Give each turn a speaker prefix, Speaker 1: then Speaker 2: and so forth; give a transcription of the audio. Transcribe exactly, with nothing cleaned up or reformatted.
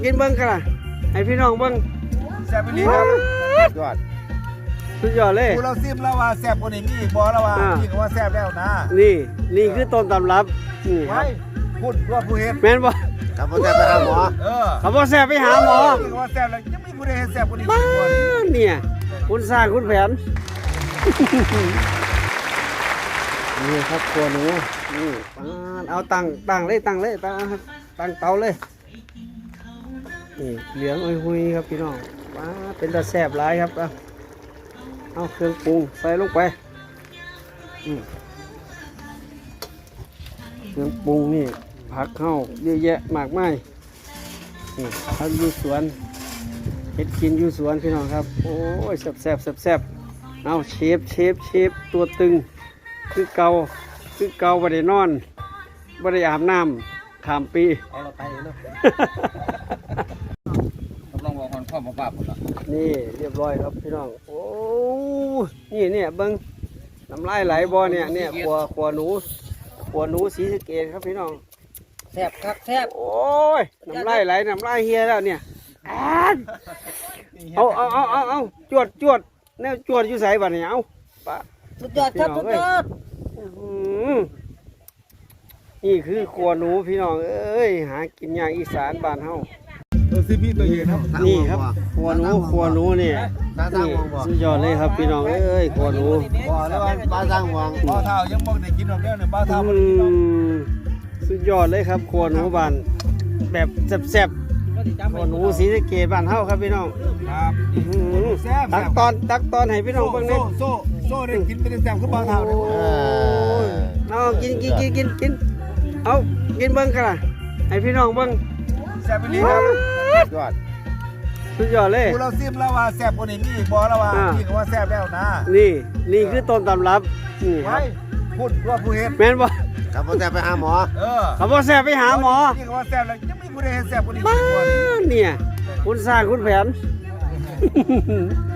Speaker 1: กินเบิ้งกันล่ะให้พี่น้องเบิ้ง
Speaker 2: แซ่บไปลีครับยอด
Speaker 1: สุดยอดเลย
Speaker 2: กูเราซิมแล้วว่าแซ่บกว่านี้มีอีกบ่แล้วว่าพี่ก็ว่าแซ่บแล้วนะ
Speaker 1: นี่นี่คือต้นตำรับนี่ค
Speaker 2: ไว้
Speaker 1: รับ
Speaker 2: พูดว่าผู้เห็น
Speaker 1: แม่นบ่
Speaker 3: ถ้าพ่อจะไปหาหมอ
Speaker 2: เออ
Speaker 1: เขาบอกแซ่บไปหาหมอ
Speaker 2: พี่ก็ว่าแซ่บแล้วยังไม่ผู้ใดเห็นแซ่บกว่านี้
Speaker 1: บ้าเนี่ยคุณสร้างคุณแผน นี่ครับครัวหนูนี่ปานเอาตั้งตั้งเลยตั้งเลยตั้งครับตั้งเตาเลยนี่เหลืองอุยหุยครับพี่น้องว้าเป็นตาแซ่บหลายครับเอาเอาเครื่องปรุงใส่ลงไปอืมเครื่องปรุงนี่ผักเข้าเยอะแยะมากมายนี่ผักอยู่สวนเห็ดกินอยู่สวนพี่น้องครับโอ้ยแซ่บแซ่บแซ่บแซ่บเอาเชฟเชฟเชฟตัวตึงคือเกาคือเกาบ่ได้นอนบ่ได้อาบน้ำข้ามปี
Speaker 3: เอาเราไปเนาะ
Speaker 2: ต้องบอกคนข้อมาปราบหมดละ
Speaker 1: นี่เรียบร้อยครับพี่น้องโอ้นี่เนี่ยเบิ้งน้ำลายไหลบ่เนี่ยเนี่ยขัวขัวหนูขัวหนูสีสะเกดครับพี่น้อง
Speaker 3: แซ่บคักแซ่บ
Speaker 1: โอ้ยน้ำลายไหลน้ำลายเฮียแล้วเนี่ยอ่านเอาเอาเอาเอาเอาจวดจวดแนวจวดอยู่ใส่บัดเนี่ยเอาปะ
Speaker 3: สุดยอดครับสุดยอด
Speaker 1: อื้อหือนี่คือขัวหนูพี่น้องเอ้ยหากินยากอีสานบ้านเฮา
Speaker 2: เออซิพี่ตัวเย็นครับ
Speaker 1: นี่ครับขัวหนูขัวหนูนี่
Speaker 3: ตาสร้าง
Speaker 1: นี่
Speaker 3: วงบ่
Speaker 1: สุดยอดเลยครับพี่น้องเอ้ยขัวหนู
Speaker 2: บ่แล้วว่า
Speaker 3: ตาสร้างวง
Speaker 2: บ่เท่ายังบ่ได้กินหรอกเด้อเนี่ยบ่เท่าบ่
Speaker 1: อื
Speaker 2: ได้กินหรอก
Speaker 1: มสุดยอดเลยครับขัวหนูบ้านแบบแซ่บๆขัวหนูสีสะเกดบ้านเฮาครับพี่น้อง
Speaker 2: ครับ
Speaker 1: อื้อหือ
Speaker 2: แซ่บ
Speaker 1: ตักตอนตักตอนให้พี่น้องเบิ่งห
Speaker 2: โซ่
Speaker 1: นี่อย
Speaker 2: โซ่โซ่ได้กินเป็นแซ่บคือบ่เท่าเด้อ
Speaker 1: โอ้ยเอากินกินกินกินกินเอากินเบิ่งกันล่ะให้พี่น้องเบิ่ง
Speaker 2: แซ่บไปลีครับยอด
Speaker 1: สุดยอดเลย
Speaker 2: กูเราซิมแล้วว่าแซ่บกว่านี้มีอีกบ่แล้วว่าพี่ก็ว่าแซ่บแล้วนะ
Speaker 1: นี่นี่คือต้นตำรับนี่ค
Speaker 2: ไว้
Speaker 1: รับ
Speaker 2: พูดว่าผู้เห็น
Speaker 1: แม่นบ่
Speaker 3: ถ้าพ่อจะไปหาหมอ
Speaker 2: เออ
Speaker 1: เขาบอกแซ่บไปหาหมอ
Speaker 2: พี่ก็ว่าแซ่บแล้วยังไม่ผู้ใดเห็นแซ่บกว่านี้
Speaker 1: บ้าเนี่ยคุณสร้างคุณแผน